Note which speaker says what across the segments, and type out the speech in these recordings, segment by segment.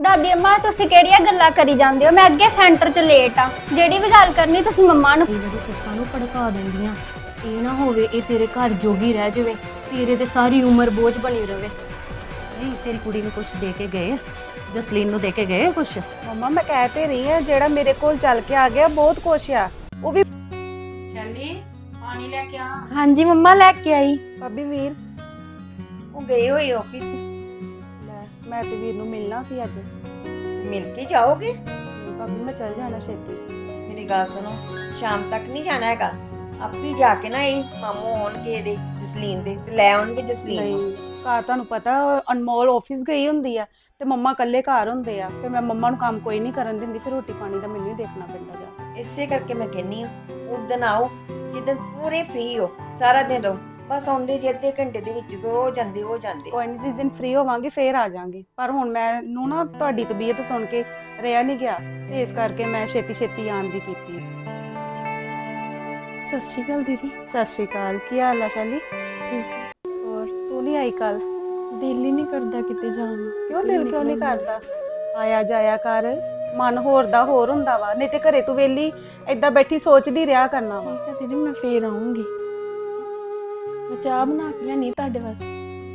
Speaker 1: ਦਾਦੀ ਅੰਮਾ ਤੁਸੀਂ ਕਿਹੜੀਆਂ ਗੱਲਾਂ ਕਰੀ ਜਾਂਦੇ ਹੋ? ਮੈਂ ਅੱਗੇ ਸੈਂਟਰ 'ਚ ਲੇਟ ਆ। ਜਿਹੜੀ ਵੀ ਗੱਲ ਕਰਨੀ ਤੁਸੀਂ ਮੰਮਾ ਨੂੰ।
Speaker 2: ਜਿਹੜੀ ਸੱਸਾਂ ਨੂੰ ਭੜਕਾ ਦਿੰਦੀਆਂ, ਇਹ ਨਾ ਹੋਵੇ ਇਹ ਤੇਰੇ ਘਰ ਜੋਗੀ ਰਹਿ ਜਾਵੇ, ਤੇਰੇ ਤੇ ਸਾਰੀ ਉਮਰ ਬੋਝ ਬਣੀ ਰਵੇ।
Speaker 3: ਨਹੀਂ ਤੇਰੀ ਕੁੜੀ ਨੂੰ ਕੁਛ ਦੇ ਕੇ ਗਏ, ਜਸਲੀਨ ਨੂੰ ਦੇ ਕੇ ਗਏ ਕੁਛ?
Speaker 4: ਮੰਮਾ ਮੈਂ ਕਹਿ ਤੇ ਰਹੀ ਆ ਜਿਹੜਾ ਮੇਰੇ ਕੋਲ ਚੱਲ ਕੇ ਆ ਗਿਆ ਬਹੁਤ ਕੁਛ ਆ। ਉਹ ਵੀ
Speaker 3: ਸ਼ੈਲੀ ਪਾਣੀ ਲੈ ਕੇ ਆ।
Speaker 2: ਹਾਂਜੀ ਮੰਮਾ ਲੈ ਕੇ ਆਈ।
Speaker 4: ਭਾਬੀ ਵੀਰ
Speaker 5: ਉਹ ਗਏ ਹੋਏ ਆਫਿਸ।
Speaker 4: ਲੈ ਮੈਂ ਤੇ ਵੀਰ ਨੂੰ ਮਿਲਣਾ ਸੀ ਅੱਜ।
Speaker 5: ਮਿਲ ਕੇ ਜਾਓਗੇ?
Speaker 4: ਨਹੀਂ ਭਾਬੀ ਮੈਂ ਚੱਲ ਜਾਣਾ ਛੇਤੀ।
Speaker 5: ਮੇਰੀ ਗੱਲ ਸੁਣੋ, ਸ਼ਾਮ ਤੱਕ ਨਹੀਂ ਜਾਣਾ ਹੈਗਾ। ਆਪੇ ਜਾ ਕੇ ਨਾ ਇਹ ਮਾਮੂ ਆਉਣਗੇ ਇਹਦੇ ਜਸਲੀਨ ਦੇ ਤੇ ਲੈ ਆਉਣਗੇ ਜਸਲੀਨ ਨੂੰ।
Speaker 4: ਨਹੀਂ ਘਰ ਤੁਹਾਨੂੰ ਪਤਾ ਅਨਮੋਲ ਆਫਿਸ ਗਈ ਹੁੰਦੀ ਆ ਤੇ ਮੰਮਾ ਇਕੱਲੇ ਘਰ ਹੁੰਦੇ ਆ। ਫਿਰ ਮੈਂ ਮੰਮਾ ਨੂੰ ਕੰਮ ਕੋਈ ਨਹੀਂ ਕਰਨ ਦਿੰਦੀ, ਫਿਰ ਰੋਟੀ ਪਾਣੀ ਦਾ ਮੈਨੂੰ ਹੀ ਦੇਖਣਾ ਪੈਂਦਾ ਜਾ।
Speaker 5: ਇਸੇ ਕਰਕੇ ਮੈਂ ਕਹਿੰਨੀ ਆ ਉਦਣ ਆਓ ਜਿੱਦਣ ਪੂਰੇ ਫ੍ਰੀ ਹੋ, ਸਾਰਾ ਦਿਨ ਰਹੋ। ਬਸ ਆਉਂਦੇ ਜੇ ਅੱਧੇ ਘੰਟੇ ਦੇ ਵਿੱਚ ਤੋਂ ਹੋ ਜਾਂਦੇ
Speaker 4: ਕੋਈ ਨਹੀਂ, ਜਿਸ ਦਿਨ ਫ੍ਰੀ ਹੋਵਾਂਗੇ ਫੇਰ ਆ ਜਾਾਂਗੇ। ਪਰ ਹੁਣ ਮੈਨੂੰ ਨਾ ਤੁਹਾਡੀ ਤਬੀਅਤ ਸੁਣ ਕੇ ਰਿਹਾ ਨਹੀਂ ਗਿਆ ਤੇ ਇਸ ਕਰਕੇ ਮੈਂ ਛੇਤੀ ਛੇਤੀ ਆਉਣ ਦੀ ਕੀਤੀ।
Speaker 2: ਸਤਿ ਸ਼੍ਰੀ ਅਕਾਲ ਦੀਦੀ।
Speaker 4: ਸਤਿ ਸ਼੍ਰੀ ਅਕਾਲ, ਕੀ ਹਾਲ ਆ ਸ਼ੈਲੀ?
Speaker 2: ਠੀਕ।
Speaker 4: ਹੋਰ ਤੂੰ ਨਹੀਂ ਆਈ ਕੱਲ?
Speaker 2: ਦਿਲ ਹੀ ਨਹੀਂ ਕਰਦਾ ਕਿਤੇ ਜਾਣ ਨੂੰ।
Speaker 4: ਕਿਉਂ ਦਿਲ ਕਿਉਂ ਨਹੀਂ ਕਰਦਾ? ਆਇਆ ਜਾਇਆ ਕਰ, ਮਨ ਹੋਰ ਦਾ ਹੋਰ ਹੁੰਦਾ ਵਾ। ਨਹੀਂ ਤੇ ਘਰੇ ਤੂੰ ਵੇਲੀ ਏਦਾਂ ਬੈਠੀ ਸੋਚਦੀ ਰਿਹਾ ਕਰਨਾ ਵਾ।
Speaker 2: ਠੀਕ ਹੈ ਦੀਦੀ, ਮੈਂ ਫੇਰ ਆਉਂਗੀ। ਮੈਂ ਚਾਹ ਬਣਾ ਕੇ ਲਿਆਣੀ ਤੁਹਾਡੇ ਵਾਸਤੇ।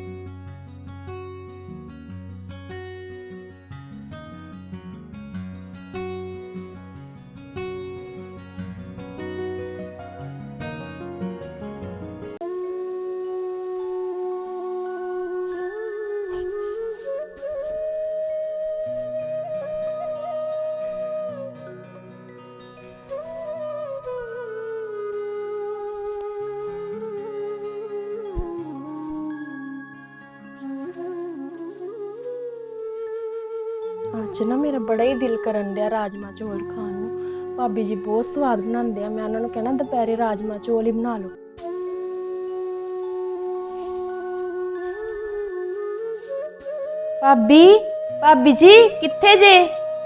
Speaker 2: ਅੱਜ ਨਾ ਮੇਰਾ ਬੜਾ ਹੀ ਦਿਲ ਕਰਨ ਡਿਆ ਰਾਜਮਾ ਚੌਲ ਖਾਣ ਨੂੰ। ਭਾਬੀ ਜੀ ਬਹੁਤ ਸਵਾਦ ਬਣਾਉਂਦੇ ਆ। ਮੈਂ ਉਹਨਾਂ ਨੂੰ ਕਹਿਣਾ ਦੁਪਹਿਰੇ ਰਾਜਮਾ ਚੌਲ ਹੀ ਬਣਾ ਲਓ। ਭਾਬੀ ਜੀ ਕਿੱਥੇ ਜੇ?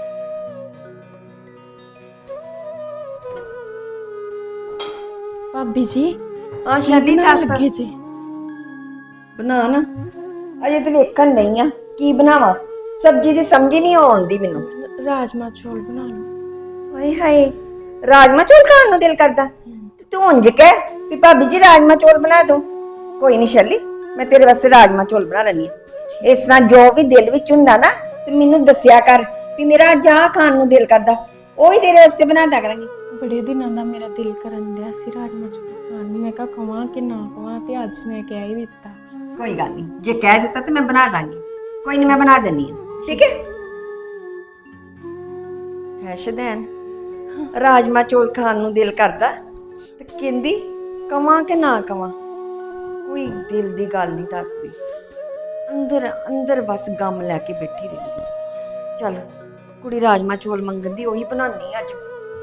Speaker 2: ਭਾਬੀ ਜੀ
Speaker 5: ਹਾਂ ਸ਼ੈਲੀ ਦੱਸ,
Speaker 2: ਲੱਗੇ ਜੇ?
Speaker 5: ਬਣਾ ਨਾ। ਅਜੇ ਤੇ ਵੇਖਣ ਨਹੀਂ ਆ ਕੀ ਬਣਾਵਾਂ। ਸਬਜ਼ੀ ਦੀ ਸਮਝ ਹੀ ਨਹੀਂ ਆਉਂਦੀ ਮੈਨੂੰ।
Speaker 2: ਰਾਜਮਾ ਚੌਲ ਬਣਾ ਲਓ।
Speaker 5: ਹਾਏ ਹਾਏ, ਰਾਜਮਾ ਚੌਲ ਖਾਣ ਨੂੰ ਦਿਲ ਕਰਦਾ? ਤੇ ਤੂੰ ਉਂਝ ਕਹਿ ਵੀ ਭਾਬੀ ਜੀ ਰਾਜਮਾ ਚੌਲ ਬਣਾ ਦੋ। ਕੋਈ ਨਹੀਂ ਸ਼ੈਲੀ, ਮੈਂ ਤੇਰੇ ਵਾਸਤੇ ਰਾਜਮਾ ਚੌਲ ਬਣਾ ਲੈਣੀ ਆ। ਇਸ ਤਰ੍ਹਾਂ ਜੋ ਵੀ ਦਿਲ ਵਿੱਚ ਹੁੰਦਾ ਨਾ ਤੇ ਮੈਨੂੰ ਦੱਸਿਆ ਕਰ ਵੀ ਮੇਰਾ ਅੱਜ ਆਹ ਖਾਣ ਨੂੰ ਦਿਲ ਕਰਦਾ, ਉਹ ਹੀ ਤੇਰੇ ਵਾਸਤੇ ਬਣਾ ਦਿਆ ਕਰਾਂਗੀ।
Speaker 2: ਬੜੇ ਦਿਨਾਂ ਦਾ ਮੇਰਾ ਦਿਲ ਕਰਨ ਡਿਆ ਸੀ ਰਾਜਮਾ ਚੌਲ ਖਾਣ ਨੂੰ। ਮੈਂ ਕਿਹਾ ਕਵਾਂ ਕਿ ਨਾ ਕਵਾਂ, ਤੇ ਅੱਜ ਮੈਂ ਕਹਿ ਹੀ ਦਿੱਤਾ।
Speaker 5: ਕੋਈ ਗੱਲ ਨਹੀਂ, ਜੇ ਕਹਿ ਦਿੱਤਾ ਤੇ ਮੈਂ ਬਣਾ ਦਾਂਗੀ। ਕੋਈ ਨਹੀਂ, ਮੈਂ ਬਣਾ ਦਿੰਨੀ ਆ, ਠੀਕ ਹੈ? ਹੈ ਸ਼ਦੈਨ, ਰਾਜਮਾ ਚੌਲ ਖਾਣ ਨੂੰ ਦਿਲ ਕਰਦਾ ਤੇ ਕਹਿੰਦੀ ਕਵਾਂ ਕਿ ਨਾ ਕਵਾਂ। ਕੋਈ ਦਿਲ ਦੀ ਗੱਲ ਨਹੀਂ ਦੱਸਦੀ, ਅੰਦਰ ਅੰਦਰ ਬਸ ਗਮ ਲੈ ਕੇ ਬੈਠੀ ਰਹਿੰਦੀ। ਚੱਲ ਕੁੜੀ ਰਾਜਮਾ ਚੌਲ ਮੰਗਣ ਦੀ, ਉਹੀ ਬਣਾਉਣੀ ਅੱਜ।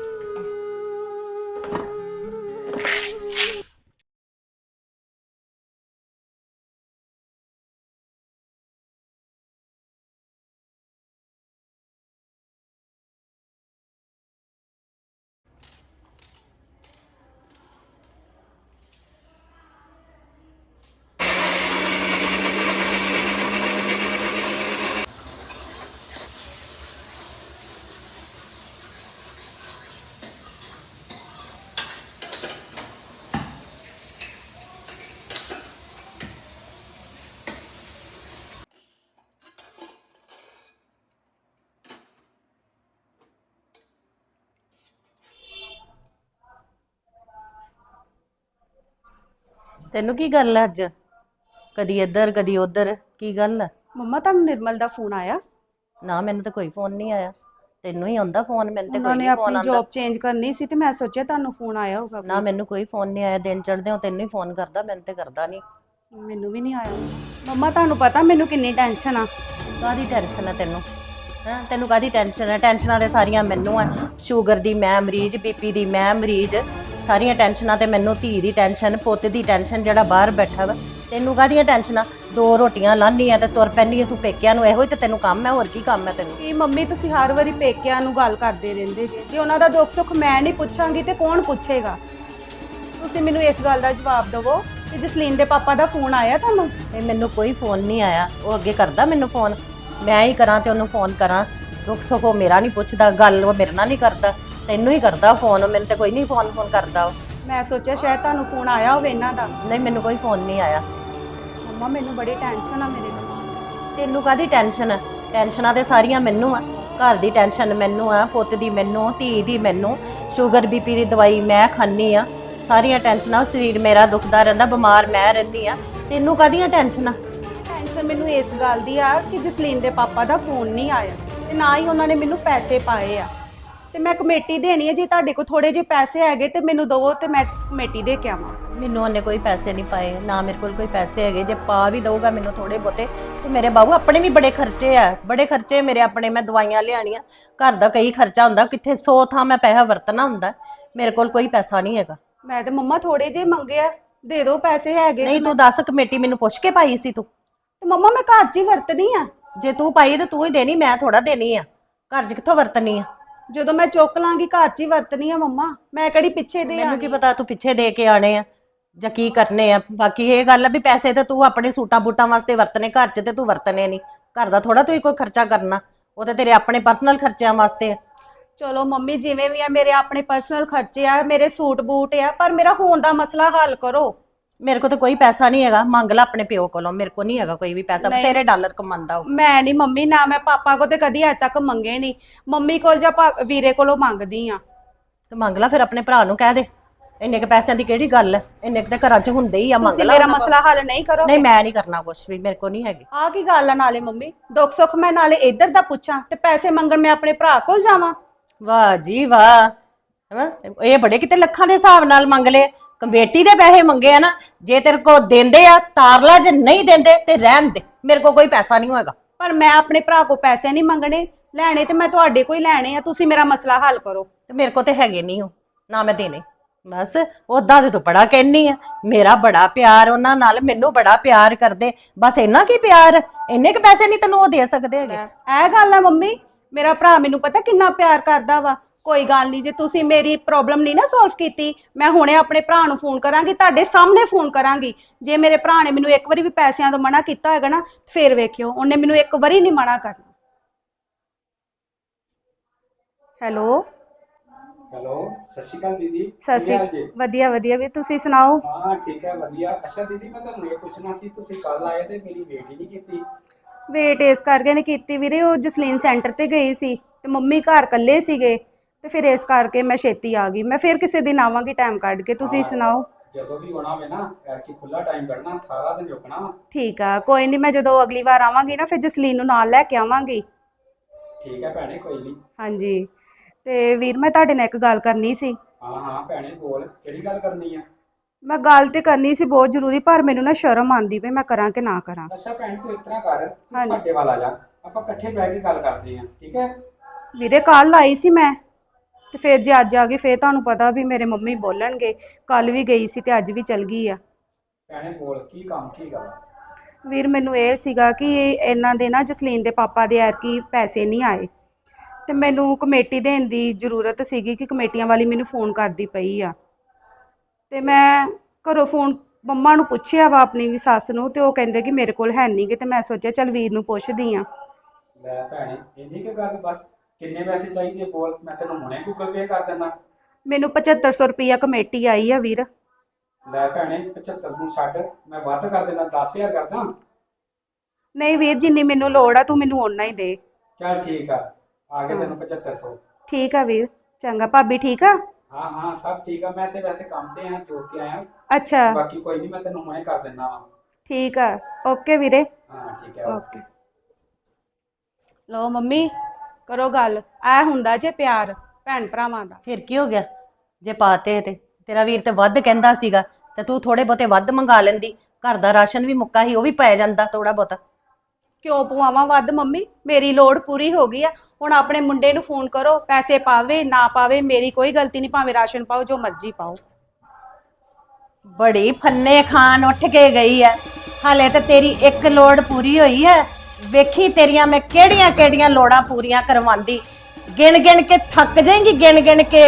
Speaker 3: ਤੈਨੂੰ ਕੀ ਗੱਲ ਹੈ ਅੱਜ? ਕਦੀ ਇੱਧਰ ਕਦੀ ਉੱਧਰ, ਕੀ ਗੱਲ ਹੈ?
Speaker 4: ਮੰਮਾ ਤੁਹਾਨੂੰ ਨਿਰਮਲ ਦਾ ਫੋਨ ਆਇਆ?
Speaker 3: ਨਾ ਮੈਨੂੰ ਤਾਂ ਕੋਈ ਫੋਨ ਨਹੀਂ ਆਇਆ। ਤੈਨੂੰ ਹੀ ਆਉਂਦਾ ਫੋਨ, ਮੈਨੂੰ ਤੇ
Speaker 4: ਉਹਨਾਂ
Speaker 3: ਕੋਈ
Speaker 4: ਨੇ
Speaker 3: ਨਹੀਂ ਫੋਨ
Speaker 4: ਆਪਣੀ
Speaker 3: ਆਉਂਦਾ।
Speaker 4: ਜੌਬ ਚੇਂਜ ਕਰਨੀ ਸੀ ਤੇ ਮੈਂ ਸੋਚਿਆ ਤੁਹਾਨੂੰ ਫੋਨ ਆਇਆ ਹੋਊਗਾ।
Speaker 3: ਨਾ ਮੈਨੂੰ ਕੋਈ ਫੋਨ ਨਹੀਂ ਆਇਆ। ਦਿਨ ਚੜ੍ਹਦੇ ਹੋ ਤੈਨੂੰ ਹੀ ਫੋਨ ਕਰਦਾ, ਮੈਨੂੰ ਤੇ ਕਰਦਾ ਨਹੀਂ।
Speaker 4: ਮੈਨੂੰ ਵੀ ਨਹੀਂ ਆਇਆ। ਮੰਮਾ ਤੁਹਾਨੂੰ ਪਤਾ ਮੈਨੂੰ ਕਿੰਨੀ ਟੈਨਸ਼ਨ ਆ।
Speaker 3: ਕਾਹਦੀ ਟੈਨਸ਼ਨ ਹੈ ਤੈਨੂੰ? ਹਾਂ, ਤੈਨੂੰ ਕਾਹਦੀ ਟੈਨਸ਼ਨ ਹੈ? ਟੈਨਸ਼ਨਾਂ ਤੇ ਸਾਰੀਆਂ ਮੈਨੂੰ ਆ। ਸ਼ੂਗਰ ਦੀ ਮੈਂ ਮਰੀਜ਼, ਬੀਪੀ ਦੀ ਮੈਂ ਮਰੀਜ਼, ਸਾਰੀਆਂ ਟੈਨਸ਼ਨਾਂ ਤੇ ਮੈਨੂੰ। ਧੀ ਦੀ ਟੈਨਸ਼ਨ, ਪੁੱਤ ਦੀ ਟੈਨਸ਼ਨ ਜਿਹੜਾ ਬਾਹਰ ਬੈਠਾ ਵਾ। ਤੈਨੂੰ ਕਾਹਦੀਆਂ ਟੈਨਸ਼ਨਾਂ? 2 ਰੋਟੀਆਂ ਲਾਹਨੀ ਆ ਤੇ ਤੁਰ ਪੈਂਦੀ ਆ ਤੂੰ ਪੇਕਿਆਂ ਨੂੰ। ਇਹੋ ਹੀ ਤੇ ਤੈਨੂੰ ਕੰਮ ਹੈ, ਹੋਰ ਕੀ ਕੰਮ ਹੈ ਤੈਨੂੰ?
Speaker 4: ਕੀ ਮੰਮੀ ਤੁਸੀਂ ਹਰ ਵਾਰੀ ਪੇਕਿਆਂ ਨੂੰ ਗੱਲ ਕਰਦੇ ਰਹਿੰਦੇ ਜੇ ਉਹਨਾਂ ਦਾ ਦੁੱਖ ਸੁੱਖ ਮੈਂ ਨਹੀਂ ਪੁੱਛਾਂਗੀ ਤੇ ਕੌਣ ਪੁੱਛੇਗਾ? ਤੁਸੀਂ ਮੈਨੂੰ ਇਸ ਗੱਲ ਦਾ ਜਵਾਬ ਦਿਵੋ ਕਿ ਜਸਲੀਨ ਦੇ ਪਾਪਾ ਦਾ ਫੋਨ ਆਇਆ ਤੁਹਾਨੂੰ?
Speaker 3: ਇਹ ਮੈਨੂੰ ਕੋਈ ਫੋਨ ਨਹੀਂ ਆਇਆ। ਉਹ ਅੱਗੇ ਕਰਦਾ ਮੈਨੂੰ ਫੋਨ, ਮੈਂ ਹੀ ਕਰਾਂ ਤੇ ਉਹਨੂੰ ਫੋਨ ਕਰਾਂ, ਦੁੱਖ ਸੁੱਖ ਉਹ ਮੇਰਾ ਨਹੀਂ ਪੁੱਛਦਾ, ਗੱਲ ਉਹ ਮੇਰੇ ਨਾਲ ਨਹੀਂ ਕਰਦਾ, ਤੈਨੂੰ ਹੀ ਕਰਦਾ ਫੋਨ, ਮੈਨੂੰ ਤੇ ਕੋਈ ਨਹੀਂ ਫੋਨ ਕਰਦਾ ਉਹ।
Speaker 4: ਮੈਂ ਸੋਚਿਆ ਸ਼ਾਇਦ ਤੁਹਾਨੂੰ ਫੋਨ ਆਇਆ ਹੋਵੇ ਇਹਨਾਂ ਦਾ।
Speaker 3: ਨਹੀਂ, ਮੈਨੂੰ ਕੋਈ ਫੋਨ ਨਹੀਂ ਆਇਆ।
Speaker 4: ਮੰਮਾ ਮੈਨੂੰ ਬੜੀ ਟੈਨਸ਼ਨ ਆ ਮੇਰੇ ਨਾਲ।
Speaker 3: ਤੈਨੂੰ ਕਾਹਦੀ ਟੈਨਸ਼ਨ ਹੈ? ਟੈਨਸ਼ਨਾਂ ਤੇ ਸਾਰੀਆਂ ਮੈਨੂੰ ਆ, ਘਰ ਦੀ ਟੈਨਸ਼ਨ ਮੈਨੂੰ ਆ, ਪੁੱਤ ਦੀ ਮੈਨੂੰ, ਧੀ ਦੀ ਮੈਨੂੰ, ਸ਼ੂਗਰ ਬੀਪੀ ਦੀ ਦਵਾਈ ਮੈਂ ਖਾਂਦੀ ਆ, ਸਾਰੀਆਂ ਟੈਨਸ਼ਨਾਂ, ਸਰੀਰ ਮੇਰਾ ਦੁਖਦਾ ਰਹਿੰਦਾ, ਬਿਮਾਰ ਮੈਂ ਰਹਿੰਦੀ ਆ, ਤੈਨੂੰ ਕਾਹਦੀਆਂ ਟੈਨਸ਼ਨਾਂ?
Speaker 4: ਟੈਨਸ਼ਨ ਮੈਨੂੰ ਇਸ ਗੱਲ ਦੀ ਆ ਕਿ ਜਸਲੀਨ ਦੇ ਪਾਪਾ ਦਾ ਫੋਨ ਨਹੀਂ ਆਇਆ ਤੇ ਨਾ ਹੀ ਉਹਨਾਂ ਨੇ ਮੈਨੂੰ ਪੈਸੇ ਪਾਏ ਆ, ਤੇ ਮੈਂ ਕਮੇਟੀ ਦੇਣੀ ਹੈ। ਜੇ ਤੁਹਾਡੇ ਕੋਲ ਥੋੜੇ ਜਿਹੇ ਪੈਸੇ ਹੈਗੇ ਤੇ ਮੈਨੂੰ ਦਵੋ ਤੇ ਮੈਂ ਕਮੇਟੀ ਦੇ ਕੇ ਆਵਾਂ।
Speaker 3: ਮੈਨੂੰ ਉਹਨੇ ਕੋਈ ਪੈਸੇ ਨਹੀਂ ਪਾਏ, ਨਾ ਮੇਰੇ ਕੋਲ ਕੋਈ ਪੈਸੇ ਹੈਗੇ। ਜੇ ਪਾ ਵੀ ਦਊਗਾ ਮੈਨੂੰ ਥੋੜੇ ਬਹੁਤੇ, ਤੇ ਮੇਰੇ ਬਾਬੂ ਆਪਣੇ ਵੀ ਬੜੇ ਖਰਚੇ ਆ, ਬੜੇ ਖਰਚੇ ਮੇਰੇ ਆਪਣੇ। ਮੈਂ ਦਵਾਈਆਂ ਲਿਆਣੀਆਂ, ਘਰ ਦਾ ਕਈ ਖਰਚਾ ਹੁੰਦਾ, ਕਿੱਥੇ 100 ਥਾਂ ਮੈਂ ਪੈਸਾ ਵਰਤਣਾ ਹੁੰਦਾ, ਮੇਰੇ ਕੋਲ ਕੋਈ ਪੈਸਾ ਨਹੀਂ ਹੈਗਾ।
Speaker 4: ਮੈਂ ਤੇ ਮੰਮਾ ਥੋੜੇ ਜਿਹੇ ਮੰਗੇ ਆ, ਦੇ ਦਿਓ ਪੈਸੇ ਹੈਗੇ।
Speaker 3: ਨਹੀਂ, ਤੂੰ ਦੱਸ, ਕਮੇਟੀ ਮੈਨੂੰ ਪੁੱਛ ਕੇ ਪਾਈ ਸੀ ਤੂੰ?
Speaker 4: ਤੇ ਮੰਮਾ ਮੈਂ ਘਰ 'ਚ ਹੀ ਵਰਤਣੀ ਆ।
Speaker 3: ਜੇ ਤੂੰ ਪਾਈ ਤੇ ਤੂੰ ਹੀ ਦੇਣੀ, ਮੈਂ ਥੋੜਾ ਦੇਣੀ ਆ। ਘਰ 'ਚ ਕਿੱਥੋਂ ਵਰਤਣੀ ਆ?
Speaker 4: ਜਦੋਂ ਮੈਂ ਚੁੱਕ ਲਾਂਗੀ ਘਰ 'ਚ ਹੀ ਵਰਤਣੀ ਆ ਮੰਮਾ, ਮੈਂ ਕਿਹੜੀ ਪਿੱਛੇ ਦੇ
Speaker 3: ਮੈਨੂੰ ਕੀ ਪਤਾ ਤੂੰ ਪਿੱਛੇ ਦੇ ਕੇ ਆਣੇ ਆ ਜਾਂ ਕੀ ਕਰਨੇ ਆ। ਬਾਕੀ ਇਹ ਗੱਲ ਆ ਵੀ ਪੈਸੇ ਤੇ ਤੂੰ ਆਪਣੇ ਸੂਟਾਂ ਬੂਟਾਂ ਵਾਸਤੇ ਵਰਤਨੇ, ਘਰ 'ਚ ਤੇ ਤੂੰ ਵਰਤਨੇ ਨਹੀਂ। ਘਰ ਦਾ ਥੋੜਾ ਤੂੰ ਕੋਈ ਖਰਚਾ ਕਰਨਾ, ਉਹ ਤੇ ਤੇਰੇ ਆਪਣੇ ਪਰਸਨਲ ਖਰਚਿਆਂ ਵਾਸਤੇ ਆ।
Speaker 4: ਚਲੋ ਮੰਮੀ ਜਿਵੇਂ ਵੀ ਆ, ਮੇਰੇ ਆਪਣੇ ਪਰਸਨਲ ਖਰਚੇ ਆ, ਮੇਰੇ ਸੂਟ ਬੂਟ ਆ, ਪਰ ਮੇਰਾ ਹੋਣ ਦਾ ਮਸਲਾ ਹੱਲ ਕਰੋ।
Speaker 3: ਮੇਰੇ ਕੋਲ ਤਾਂ ਕੋਈ ਪੈਸਾ ਨਹੀਂ ਹੈਗਾ, ਮੰਗ ਲੈ ਆਪਣੇ ਪਿਓ ਕੋਲੋਂ, ਮੇਰੇ ਕੋਲ ਨਹੀਂ ਹੈਗਾ ਕੋਈ ਵੀ ਪੈਸਾ। ਤੇਰੇ ਡਾਲਰ ਕਮਾਉਂਦਾ ਉਹ।
Speaker 4: ਮੈਂ ਨਹੀਂ ਮੰਮੀ, ਨਾ ਮੈਂ ਪਾਪਾ ਕੋ ਤੇ ਕਦੀ ਅੱਜ ਤੱਕ ਮੰਗੇ ਨਹੀਂ। ਮੰਮੀ ਕੋਲ ਜਾਂ ਵੀਰੇ ਕੋਲੋਂ ਮੰਗਦੀ ਆ।
Speaker 3: ਤੇ ਮੰਗ ਲੈ ਫਿਰ, ਆਪਣੇ ਭਰਾ ਨੂੰ ਕਹਿ ਦੇ। ਇੰਨੇ ਕ ਪੈਸਿਆਂ ਦੀ ਕਿਹੜੀ ਗੱਲ ਹੈ? ਇੰਨੇ ਕ ਤਾਂ ਘਰਾਂ 'ਚ ਹੁੰਦੇ ਹੀ ਆ, ਮੰਗ
Speaker 4: ਤੁਸੀਂ
Speaker 3: ਲੈ।
Speaker 4: ਮੇਰਾ ਮਸਲਾ ਹੱਲ ਨਹੀਂ ਕਰੋ।
Speaker 3: ਨਹੀਂ, ਮੈਂ ਨਹੀਂ ਕਰਨਾ ਕੁਝ ਵੀ, ਮੇਰੇ ਕੋਲ ਨਹੀਂ ਹੈਗੇ।
Speaker 4: ਆਹ ਕੀ ਗੱਲ ਆ? ਨਾਲੇ ਮੰਮੀ ਦੁੱਖ ਸੁੱਖ ਮੈਂ ਨਾਲੇ ਇੱਧਰ ਦਾ ਪੁੱਛਾਂ ਤੇ ਪੈਸੇ ਮੰਗਣ ਮੈਂ ਆਪਣੇ ਭਰਾ ਕੋਲ ਜਾਵਾਂ?
Speaker 3: ਵਾਹ ਜੀ ਵਾਹ, ਇਹ ਬੜੇ ਕਿਤੇ ਲੱਖਾਂ ਦੇ ਹਿਸਾਬ ਨਾਲ ਮੰਗ ਲਏ। ਕਮੇਟੀ ਦੇ ਪੈਸੇ ਮੰਗੇ ਆ ਨਾ, ਜੇ ਤੇਰੇ ਕੋ ਦਿੰਦੇ ਆ ਤਾਰ ਲਾ, ਜੇ ਨਹੀਂ ਦਿੰਦੇ ਤੇ ਰਹਿਣ ਦੇ, ਮੇਰੇ ਕੋ ਕੋਈ ਪੈਸਾ ਨਹੀਂ ਹੋਏਗਾ।
Speaker 4: ਪਰ ਮੈਂ ਆਪਣੇ ਭਰਾ ਕੋ ਪੈਸੇ ਨਹੀਂ ਮੰਗਣੇ, ਲੈਣੇ ਤੇ ਮੈਂ ਤੁਹਾਡੇ ਕੋਲ ਹੀ ਲੈਣੇ ਆ। ਤੁਸੀਂ ਮੇਰਾ ਮਸਲਾ ਹੱਲ ਕਰੋ।
Speaker 3: ਤੇ ਮੇਰੇ ਕੋ ਤੇ ਹੈਗੇ ਨਹੀਂ ਹੋ, ਨਾ ਮੈਂ ਦੇਣੇ। ਬਸ ਉਦਾਂ ਤੇ ਤੂੰ ਬੜਾ ਕਹਿਨੀ ਆ, ਮੇਰਾ ਬੜਾ ਪਿਆਰ ਉਹਨਾਂ ਨਾਲ, ਮੈਨੂੰ ਬੜਾ ਪਿਆਰ ਕਰਦੇ, ਬਸ ਇੰਨਾ ਕੀ ਪਿਆਰ, ਇੰਨੇ ਕੁ ਪੈਸੇ ਨਹੀਂ ਤੈਨੂੰ ਉਹ ਦੇ ਸਕਦੇ ਹੈਗੇ।
Speaker 4: ਇਹ ਗੱਲ ਆ ਮੰਮੀ, ਮੇਰਾ ਭਰਾ ਮੈਨੂੰ ਪਤਾ ਕਿੰਨਾ ਪਿਆਰ ਕਰਦਾ ਵਾ। ਕੋਈ ਗੱਲ ਨਹੀਂ, ਜੇ ਤੁਸੀਂ ਮੇਰੀ ਪ੍ਰੋਬਲਮ ਨਹੀਂ ਨਾ ਸੋਲਵ ਕੀਤੀ, ਮੈਂ ਹੁਣੇ ਆਪਣੇ ਭਰਾ ਨੂੰ ਫੋਨ ਕਰਾਂਗੀ, ਤੁਹਾਡੇ ਸਾਹਮਣੇ ਫੋਨ ਕਰਾਂਗੀ। ਜੇ ਮੇਰੇ ਭਰਾ ਨੇ ਮੈਨੂੰ ਇੱਕ ਵਾਰੀ ਵੀ ਪੈਸਿਆਂ ਤੋਂ ਮਨਾ ਕੀਤਾ ਹੋਏਗਾ ਨਾ, ਫੇਰ ਵੇਖਿਓ, ਉਹਨੇ ਮੈਨੂੰ ਇੱਕ ਵਾਰੀ ਨਹੀਂ ਮਨਾ ਕਰਨਾ। ਹੈਲੋ
Speaker 6: ਹੈਲੋ, ਸਤਿ ਸ਼੍ਰੀ ਅਕਾਲ ਦੀਦੀ।
Speaker 4: ਸਤਿ
Speaker 6: ਕੀ ਹਾਲ
Speaker 4: ਸ਼੍ਰੀ
Speaker 6: ਜੀ?
Speaker 4: ਵਧੀਆ ਵਧੀਆ ਵੀ, ਤੁਸੀਂ ਸੁਣਾਓ?
Speaker 6: ਹਾਂ ਠੀਕ ਹੈ, ਵਧੀਆ। ਅੱਛਾ ਦੀਦੀ, ਮੈਂ ਤੁਹਾਨੂੰ ਇਹ ਪੁੱਛਣਾ ਸੀ, ਤੁਸੀਂ ਕੱਲ ਆਏ ਤੇ ਮੇਰੀ ਵੇਟ ਹੀ ਨਹੀਂ ਕੀਤੀ।
Speaker 4: ਵੇਟ ਇਸ ਕਰਕੇ ਨਹੀਂ ਕੀਤੀ ਵੀਰੇ, ਉਹ ਜਸਲੀਨ ਸੈਂਟਰ ਤੇ ਗਈ ਸੀ ਤੇ ਮੰਮੀ ਘਰ ਇਕੱਲੇ ਸੀਗੇ, ਤੇ ਫਿਰ ਇਸ ਕਰਕੇ ਮੈਂ ਛੇਤੀ ਆ ਗਈ। ਮੈਂ ਫਿਰ ਕਿਸੇ ਦਿਨ ਆਵਾਂਗੀ ਟਾਈਮ ਕੱਢ ਕੇ। ਤੁਸੀਂ ਸੁਣਾਓ?
Speaker 6: ਜਦੋਂ ਵੀ ਆਉਣਾ ਹੋਵੇ ਨਾ, ਐਰਕੀ ਖੁੱਲਾ ਟਾਈਮ ਕੱਢਣਾ, ਸਾਰਾ ਦਿਨ ਰੁਕਣਾ ਵਾ।
Speaker 4: ਠੀਕ ਆ, ਕੋਈ ਨਹੀਂ, ਮੈਂ ਜਦੋਂ ਅਗਲੀ ਵਾਰ ਆਵਾਂਗੀ ਨਾ, ਫਿਰ ਜਸਲੀਨ ਨੂੰ ਨਾਲ ਲੈ ਕੇ ਆਵਾਂਗੀ।
Speaker 6: ਠੀਕ ਹੈ ਭੈਣੇ, ਕੋਈ ਨਹੀਂ।
Speaker 4: ਹਾਂਜੀ, ਤੇ ਵੀਰ ਮੈਂ ਤੁਹਾਡੇ ਨਾਲ ਇੱਕ ਗੱਲ ਕਰਨੀ ਸੀ।
Speaker 6: ਹਾਂ ਹਾਂ ਭੈਣੇ, ਬੋਲ, ਕਿਹੜੀ ਗੱਲ ਕਰਨੀ ਆ?
Speaker 4: ਮੈਂ ਗੱਲ ਤੇ ਕਰਨੀ ਸੀ ਬਹੁਤ ਜ਼ਰੂਰੀ, ਪਰ ਮੈਨੂੰ ਨਾ ਸ਼ਰਮ ਆਂਦੀ ਪਈ, ਮੈਂ ਕਰਾਂ ਕਿ ਨਾ ਕਰਾਂ।
Speaker 6: ਅੱਛਾ ਭੈਣ, ਤੂੰ ਇਸ ਤਰ੍ਹਾਂ ਕਰ, ਤੂੰ ਸਾਡੇ ਵੱਲ ਆ ਜਾ, ਆਪਾਂ ਇਕੱਠੇ ਬਹਿ ਕੇ ਗੱਲ ਕਰਦੇ ਹਾਂ, ਠੀਕ ਹੈ?
Speaker 4: ਵੀਰੇ ਕੱਲ ਆਈ ਸੀ ਮੈਂ, ਤੇ ਫਿਰ ਜੇ ਅੱਜ ਆ ਗਈ ਫਿਰ ਤੁਹਾਨੂੰ ਪਤਾ ਵੀ ਮੇਰੇ ਮੰਮੀ ਬੋਲਣਗੇ। ਕੱਲ ਵੀ ਗਈ ਸੀ ਤੇ ਅੱਜ ਵੀ ਚਲ ਗਈ ਆ।
Speaker 6: ਭੈਣੇ ਬੋਲ, ਕੀ ਕੰਮ, ਕੀ ਗੱਲ?
Speaker 4: ਵੀਰ ਮੈਨੂੰ ਇਹ ਸੀਗਾ ਕਿ ਇਹਨਾਂ ਦੇ ਨਾ ਜਸਲੀਨ ਦੇ ਪਾਪਾ ਦੇ ਐਰਕੀ ਪੈਸੇ ਨਹੀਂ ਆਏ, ਤੇ ਮੈਨੂੰ ਕਮੇਟੀ ਦੇਣ ਦੀ ਜ਼ਰੂਰਤ ਸੀਗੀ ਕਿ ਕਮੇਟੀਆਂ ਵਾਲੀ ਮੈਨੂੰ ਫੋਨ ਕਰਦੀ ਪਈ ਆ। ਤੇ ਮੈਂ ਘਰੋਂ ਫੋਨ ਮੰਮਾ ਨੂੰ ਪੁੱਛਿਆ ਵਾ, ਆਪਣੀ ਵੀ ਸੱਸ ਨੂੰ, ਤੇ ਉਹ ਕਹਿੰਦੇ ਕਿ ਮੇਰੇ ਕੋਲ ਹੈ ਨਹੀਂਗੇ। ਤੇ ਮੈਂ ਸੋਚਿਆ ਚੱਲ ਵੀਰ ਨੂੰ ਪੁੱਛਦੀ ਆ।
Speaker 6: ਲੈ ਭੈਣੇ, ਇੰਨੀ ਕੁ ਗੱਲ ਬਸ? ਕਿੰਨੇ ਪੈਸੇ ਚਾਹੀਦੇ ਬੋਲ, ਮੈਂ ਤੈਨੂੰ ਹੁਣੇ ਗੂਗਲ ਪੇ ਕਰ ਦਿੰਦਾ।
Speaker 4: ਮੈਨੂੰ 7500 ਰੁਪਈਆ ਕਮੇਟੀ ਆਈ ਆ ਵੀਰ।
Speaker 6: ਲੈ ਭੈਣੇ, 75 ਨੂੰ ਛੱਡ, ਮੈਂ ਵੱਧ ਕਰ ਦੇਣਾ, 10000 ਕਰਦਾ।
Speaker 4: ਨਹੀਂ ਵੀਰ, ਜਿੰਨੀ ਮੈਨੂੰ ਲੋੜ ਆ ਤੂੰ ਮੈਨੂੰ ਓਨਾ ਹੀ ਦੇ।
Speaker 6: ਚੱਲ ਠੀਕ ਆ, ਆ ਗਏ ਤੈਨੂੰ 7500।
Speaker 4: ਠੀਕ ਆ ਵੀਰ, ਚੰਗਾ। ਭਾਬੀ ਠੀਕ ਆ?
Speaker 6: ਹਾਂ ਹਾਂ ਸਭ ਠੀਕ ਆ, ਮੈਂ ਤੇ ਵੈਸੇ ਕੰਮ ਤੇ ਆ, ਜੋੜ ਕੇ ਆਇਆ।
Speaker 4: ਅੱਛਾ
Speaker 6: ਬਾਕੀ ਕੋਈ ਨਹੀਂ, ਮੈਂ ਤੈਨੂੰ ਹੁਣੇ ਕਰ ਦਿੰਦਾ ਵਾ।
Speaker 4: ਠੀਕ ਆ, ਓਕੇ ਵੀਰੇ।
Speaker 6: ਹਾਂ ਠੀਕ ਹੈ,
Speaker 4: ਓਕੇ। ਲਓ ਮੰਮੀ, ਕਰੋ ਗੱਲ। ਐ ਹੁੰਦਾ ਜੇ ਪਿਆਰ ਭੈਣ ਭਰਾਵਾਂ ਦਾ।
Speaker 3: ਫਿਰ ਕੀ ਹੋ ਗਿਆ ਜੇ ਪਾਤੇ? ਤੇ ਤੇਰਾ ਵੀਰ ਤੇ ਵੱਧ ਕਹਿੰਦਾ ਸੀਗਾ, ਤੇ ਤੂੰ ਥੋੜੇ ਬਹੁਤੇ ਵੱਧ ਮੰਗਾ ਲੈਂਦੀ। ਘਰ ਦਾ ਰਾਸ਼ਨ ਵੀ ਮੁੱਕਾ ਸੀ, ਉਹ ਵੀ ਪੈ ਜਾਂਦਾ ਥੋੜਾ ਬਹੁਤਾ।
Speaker 4: ਕਿਉਂ ਪਵਾਵਾਂ ਵੱਧ ਮੰਮੀ? ਮੇਰੀ ਲੋੜ ਪੂਰੀ ਹੋ ਗਈ ਆ। ਹੁਣ ਆਪਣੇ ਮੁੰਡੇ ਨੂੰ ਫੋਨ ਕਰੋ, ਪੈਸੇ ਪਾਵੇ ਨਾ ਪਾਵੇ ਮੇਰੀ ਕੋਈ ਗਲਤੀ ਨਹੀਂ, ਭਾਵੇਂ ਰਾਸ਼ਨ ਪਾਓ, ਜੋ ਮਰਜ਼ੀ ਪਾਓ।
Speaker 3: ਬੜੀ ਫੰਨੇ ਖਾਨ ਉੱਠ ਕੇ ਗਈ ਐ, ਹਾਲੇ ਤੇ ਤੇਰੀ ਇੱਕ ਲੋੜ ਪੂਰੀ ਹੋਈ ਹੈ। ਵੇਖੀ ਤੇਰੀਆਂ ਮੈਂ ਕਿਹੜੀਆਂ ਕਿਹੜੀਆਂ ਲੋੜਾਂ ਪੂਰੀਆਂ ਕਰਵਾਉਂਦੀ, ਗਿਣ ਗਿਣ ਕੇ ਥੱਕ ਜਾਏਂਗੀ, ਗਿਣ ਗਿਣ ਕੇ।